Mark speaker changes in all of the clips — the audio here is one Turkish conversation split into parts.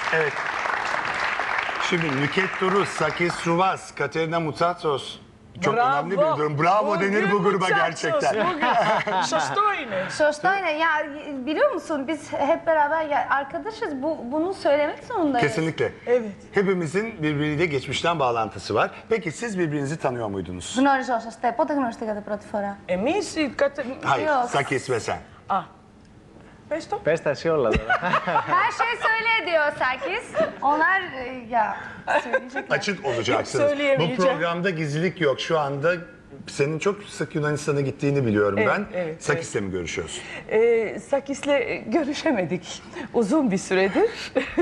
Speaker 1: Evet. Şimdi Nüket Duru, Sakis Ruvaz, Katerina Mutsatos. Çok önemli bir durum. Bravo denir bu gruba gerçekten.
Speaker 2: Şoşto yine. Ya biliyor musun biz hep beraber arkadaşız. Bunu söylemek zorundayız.
Speaker 1: Kesinlikle.
Speaker 3: Evet.
Speaker 1: Hepimizin birbiriyle geçmişten bağlantısı var. Peki siz birbirinizi tanıyor muydunuz?
Speaker 2: Γνωριζόσαστε. Πότε γνωριστήκατε πρώτη φορά?
Speaker 3: Εμείς
Speaker 1: Hayır,
Speaker 2: Yok.
Speaker 1: Sakis ve sen.
Speaker 3: Πες το.
Speaker 4: Πες τα εσύ όλα τώρα.
Speaker 2: Her şey söyle diyor Sakis. Onlar ya söyleyecekler.
Speaker 1: Açık olacaksınız. Bu
Speaker 3: Söyleyemeyeceğim.
Speaker 1: programda gizlilik yok. Şu anda senin çok sık Yunanistan'a gittiğini biliyorum ben.
Speaker 3: Evet,
Speaker 1: Sakis'le mi görüşüyorsun?
Speaker 3: Sakis'le görüşemedik uzun bir süredir.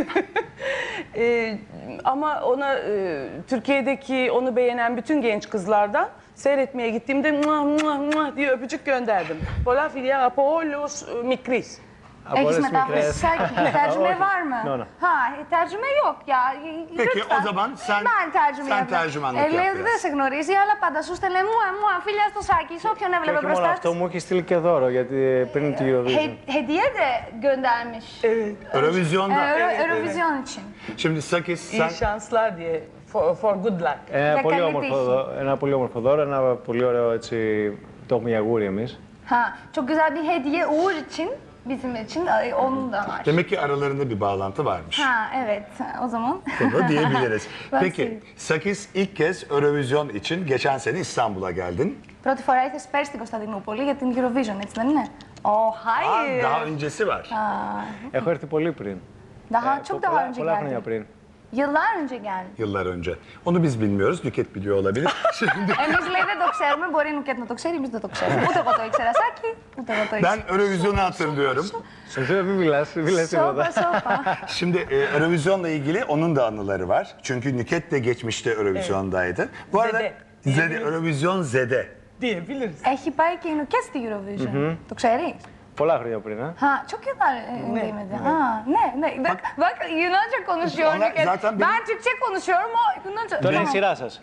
Speaker 3: Ama ona Türkiye'deki onu beğenen bütün genç kızlardan seyretmeye gittiğimde muah muah muah diye öpücük gönderdim. Πολλά φιλιά από όλους μικρής.
Speaker 4: Από όλες
Speaker 2: Έχεις
Speaker 4: τις
Speaker 2: μετάφραση
Speaker 4: μικρές.
Speaker 2: Saki? Tercüme
Speaker 4: Όχι.
Speaker 2: var mı?
Speaker 4: No, no.
Speaker 2: Ha, tercüme yok ya.
Speaker 1: Peki,
Speaker 2: Lütfen.
Speaker 1: o zaman sen-
Speaker 2: Ben tercüme
Speaker 1: sen
Speaker 2: yapayım.
Speaker 1: tercümanlık yap
Speaker 2: Λέει ότι
Speaker 1: biraz.
Speaker 2: δεν σε γνωρίζει, αλλά πάντα σου στέλνε μου φίλια στο Σάκη, σε όποιον
Speaker 4: Και
Speaker 2: έβλεπε
Speaker 4: όχι μόνο
Speaker 2: μπροστά
Speaker 4: αυτό,
Speaker 2: της.
Speaker 4: μου έχει στείλει και δώρο γιατί πριν τη Eurovision.
Speaker 2: Hediye de göndermiş.
Speaker 1: Eurovizyonda.
Speaker 2: Eurovizyon için.
Speaker 1: Şimdi Sakis sen
Speaker 3: İyi şanslar diye. For good luck.
Speaker 4: Ένα πολύ,
Speaker 2: καλή
Speaker 4: όμορφο,
Speaker 2: τύχη.
Speaker 4: ένα πολύ όμορφο δώρο, ένα πολύ ωραίο έτσι, το έχουμε για γούρι εμείς.
Speaker 2: Ha, çok güzel bir hediye Uğur için, bizim için onun da var.
Speaker 1: demek ki aralarında bir bağlantı varmış.
Speaker 2: Ha, evet. O zaman.
Speaker 1: Bunu diyebiliriz.
Speaker 2: Ben
Speaker 1: Peki
Speaker 2: söyleyeyim.
Speaker 1: Sakis ilk kez Eurovizyon için geçen sene İstanbul'a geldin.
Speaker 2: Πρώτη φορά ήρθες πέρσι στην Κωνσταντινούπολη για την Eurovision, έτσι δεν είναι? Hayır.
Speaker 1: Daha öncesi var.
Speaker 4: Έχω έρθει πολύ πριν.
Speaker 2: Daha çok daha önce
Speaker 4: πολλά χρόνια
Speaker 2: geldin.
Speaker 4: πριν.
Speaker 2: Yıllar önce geldin.
Speaker 1: Yıllar önce. Onu biz bilmiyoruz. Nüket biliyor olabilir. Şimdi
Speaker 2: Εμείς λέει δεν το ξέρουμε, μπορεί η Νουκέτ να το ξέρει, εμείς δεν το ξέρουμε. Ούτε εγώ το ήξερα, Σάκη, ούτε εγώ το ήξερα.
Speaker 1: ben Eurovizyon'u hatırlıyorum.
Speaker 4: Εσύ δεν μιλάς, δεν μιλάς
Speaker 2: Σόπα,
Speaker 4: τίποτα.
Speaker 2: σόπα.
Speaker 1: Şimdi Eurovizyon'la ilgili onun da anıları var. Çünkü Nüket de geçmişte Eurovizyon'daydı. Bu arada
Speaker 3: Zede.
Speaker 1: Zede, Eurovizyon Zede.
Speaker 3: Diyebiliriz.
Speaker 2: Έχει πάει και η Νουκέτ στη Eurovision. Το ξέρεις?
Speaker 4: Πολλά χρόνια πριν.
Speaker 2: Ha, çok yıllar değmedi. Ha, ne. Bak Yunanca konuşuyor
Speaker 1: Onlar
Speaker 2: Nüket.
Speaker 1: zaten
Speaker 2: Ben Türkçe konuşuyorum, o Yunanca.
Speaker 4: Τώρα είναι η
Speaker 2: Tamam.
Speaker 4: σειρά σας.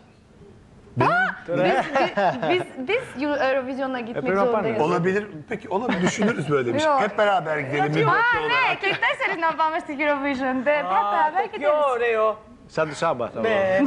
Speaker 2: Biz Eurovision'a gitmek
Speaker 4: Πρέπει να πάνε.
Speaker 2: zorundayız.
Speaker 1: Olabilir. Peki olabilir. Düşünürüz böyle bir şey.
Speaker 2: Yok.
Speaker 1: Hep beraber gidelim. bir
Speaker 2: Ha
Speaker 1: mutlu
Speaker 2: ναι,
Speaker 1: olarak.
Speaker 2: και οι τέσσερις να πάμε στη Eurovision. Hep beraber
Speaker 3: Πιο
Speaker 2: gideriz.
Speaker 3: ωραίο.
Speaker 4: Σαν του Σάμπα θα
Speaker 3: Ναι.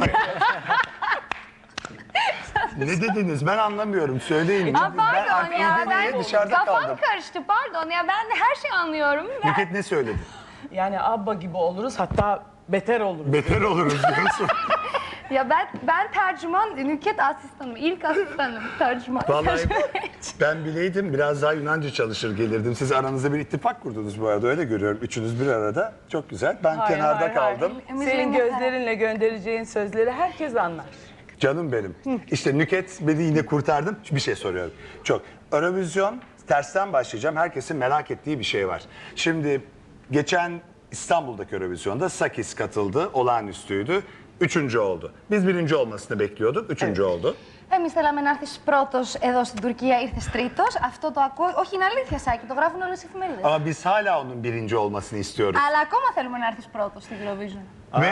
Speaker 1: Ne dediniz? Ben anlamıyorum. Söyleyin.
Speaker 2: Aa, pardon
Speaker 1: Ben
Speaker 2: ya,
Speaker 1: İzmir'de
Speaker 2: ben
Speaker 1: dışarıda
Speaker 2: kafam
Speaker 1: kaldım.
Speaker 2: karıştı, pardon ya, ben her şeyi anlıyorum.
Speaker 1: Nüket ne söyledi?
Speaker 3: Yani Abba gibi oluruz, hatta beter oluruz.
Speaker 1: Beter oluruz diyorsun.
Speaker 2: Ya ben tercüman, Nüket asistanım, ilk asistanım tercüman.
Speaker 1: Vallahi ben bileydim biraz daha Yunanca çalışır gelirdim. Siz aranızda bir ittifak kurdunuz bu arada, öyle görüyorum. Üçünüz bir arada. Çok güzel. Ben
Speaker 3: Hayır,
Speaker 1: kenarda
Speaker 3: hayır, hayır.
Speaker 1: kaldım.
Speaker 3: Senin gözlerinle göndereceğin sözleri herkes anlar.
Speaker 1: Canım benim. İşte Nüket beni yine kurtardım. Bir şey soruyorum. Çok. Eurovizyon, tersten başlayacağım. Herkesin merak ettiği bir şey var. Şimdi geçen İstanbul'daki Eurovizyon'da Sakis katıldı. Olağanüstüydü. Üçüncü oldu. Biz birinci olmasını bekliyorduk. Üçüncü oldu.
Speaker 2: Εμείς θέλαμε να έρθεις πρώτος εδώ στην Τουρκία, ήρθες τρίτος. Αυτό το ακούω. Όχι, είναι αλήθεια, Σάκη, το γράφουν όλες οι εφημερίδες.
Speaker 1: Ama biz hala onun birinci olmasını istiyoruz.
Speaker 2: Αλλά ακόμα θέλουμε να έρθεις πρώτος στην Eurovision.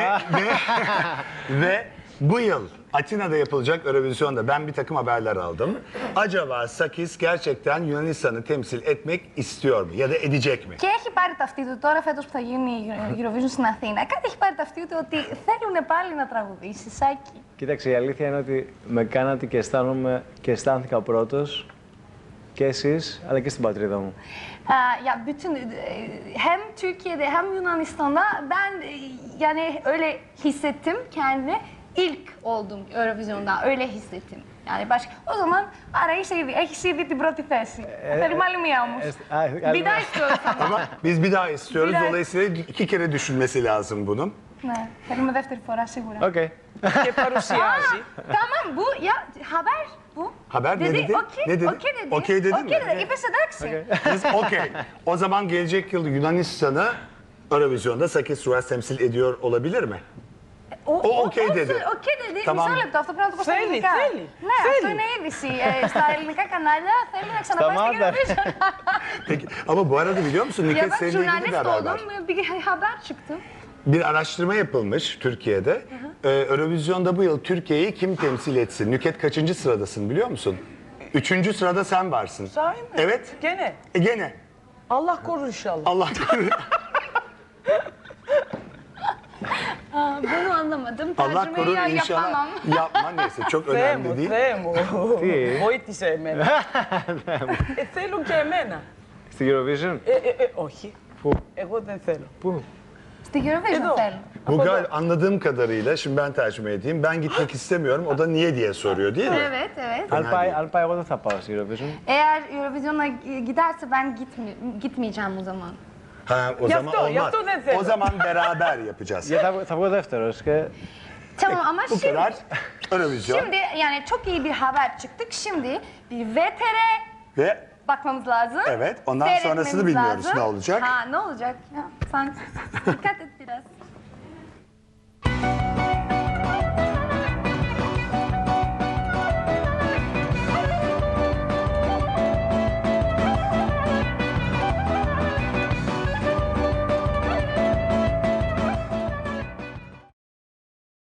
Speaker 1: Ve bu yıl Atina'da yapılacak Eurovizyon'da ben bir takım haberler aldım. Acaba Sakis gerçekten Yunanistan'ı temsil etmek istiyor mu ya da edecek mi?
Speaker 2: Και έχει πάρει ταυτί του τώρα, φέτος που θα γίνει η Eurovision στην Αθήνα. Κάτι έχει πάρει ταυτί του ότι θέλουν πάλι να τραγουδήσει, Σάκη.
Speaker 4: Κοίταξε, η αλήθεια είναι ότι με κάνατε και αισθάνομαι και αισθάνθηκα πρώτος και εσείς, αλλά και στην πατρίδα μου.
Speaker 2: Ya bütün hem Türkiye'de hem Yunanistan'da ben yani öyle hissettim kendimi. İlk oldum Eurovision'da, öyle hissettim. Yani başka. O zaman άρα έχεις ήδη την πρώτη θέση. Θέλουμε άλλη μία όμως. Bir daha istiyoruz ama.
Speaker 1: Ama biz bir daha istiyoruz.
Speaker 2: Bir daha-
Speaker 1: Dolayısıyla iki kere düşünmesi lazım bunun.
Speaker 2: Ναι, θέλουμε δεύτερη φορά σίγουρα.
Speaker 4: Οκ.
Speaker 3: Και παρουσιάζει.
Speaker 2: Tamam bu ya haber bu.
Speaker 1: Haber ne dedi?
Speaker 2: Okey,
Speaker 1: Ne dedi?
Speaker 2: okey dedi.
Speaker 1: Okey dedi mi?
Speaker 2: Okey dedi. İpes εντάξει.
Speaker 1: Biz okey. O zaman gelecek yıl Yunanistan'ı Eurovizyon'da Sakis Ruas temsil ediyor olabilir mi? O okey dedi.
Speaker 2: Okey dedi.
Speaker 1: Tamam.
Speaker 2: Μισό λεπτό, αυτό πρέπει να το πω στα
Speaker 3: Θέλει,
Speaker 2: ελληνικά.
Speaker 3: θέλει,
Speaker 2: Ναι,
Speaker 3: θέλει.
Speaker 2: αυτό είναι είδηση. Στα ελληνικά κανάλια θέλει να ξαναπάει στην
Speaker 4: Σταμάτα.
Speaker 2: Eurovision.
Speaker 1: Peki ama bu arada biliyor musun
Speaker 2: Ya
Speaker 1: Nüket
Speaker 2: ben
Speaker 1: seninle ilgili bir
Speaker 2: jurnalist
Speaker 1: haber var.
Speaker 2: oldum, bir haber çıktı.
Speaker 1: Bir araştırma yapılmış Türkiye'de. Eurovizyon'da bu yıl Türkiye'yi kim temsil etsin? Nüket kaçıncı sıradasın biliyor musun? Üçüncü sırada sen varsın.
Speaker 3: Sahi mi?
Speaker 1: Evet.
Speaker 3: Gene.
Speaker 1: Gene.
Speaker 3: Allah korur inşallah.
Speaker 1: Allah korusun.
Speaker 2: Bunu anlamadım.
Speaker 1: Allah
Speaker 2: Tercümeyi
Speaker 1: korur
Speaker 2: yapamam.
Speaker 1: inşallah. Yapma neyse çok önemli
Speaker 3: Θέμου,
Speaker 1: değil.
Speaker 3: Θέμου.
Speaker 4: Τι?
Speaker 3: Βοήθησε εμένα. Θέλουν και εμένα.
Speaker 4: Στην Eurovision.
Speaker 3: Όχι.
Speaker 4: Πού?
Speaker 3: Εγώ δεν θέλω.
Speaker 4: Πού?
Speaker 2: İşte Eurovision
Speaker 3: Edo.
Speaker 2: film.
Speaker 1: Bu anladığım kadarıyla şimdi ben tercüme edeyim. Ben gitmek istemiyorum. O da niye diye soruyor değil mi?
Speaker 2: Evet, evet.
Speaker 4: Αν πάει, εγώ δεν θα πάω στην Eurovision.
Speaker 2: Eğer Eurovision'a giderse ben gitmeyeceğim o zaman.
Speaker 1: Ha, o
Speaker 3: Yaptı
Speaker 1: zaman
Speaker 3: o,
Speaker 1: olmaz.
Speaker 3: yaptı o dedi.
Speaker 1: O zaman beraber yapacağız.
Speaker 4: Γιατί θα βγω δεύτερος και
Speaker 2: Tamam ama
Speaker 1: Bu
Speaker 2: şimdi,
Speaker 1: kadar Eurovision
Speaker 2: şimdi yani çok iyi bir haber çıktık. Şimdi bir VTR
Speaker 1: ve
Speaker 2: bakmamız lazım.
Speaker 1: Evet, ondan
Speaker 2: Seyretmemiz
Speaker 1: sonrasını bilmiyoruz
Speaker 2: lazım.
Speaker 1: ne olacak.
Speaker 2: Ha, ne olacak? Ya, sen dikkat et.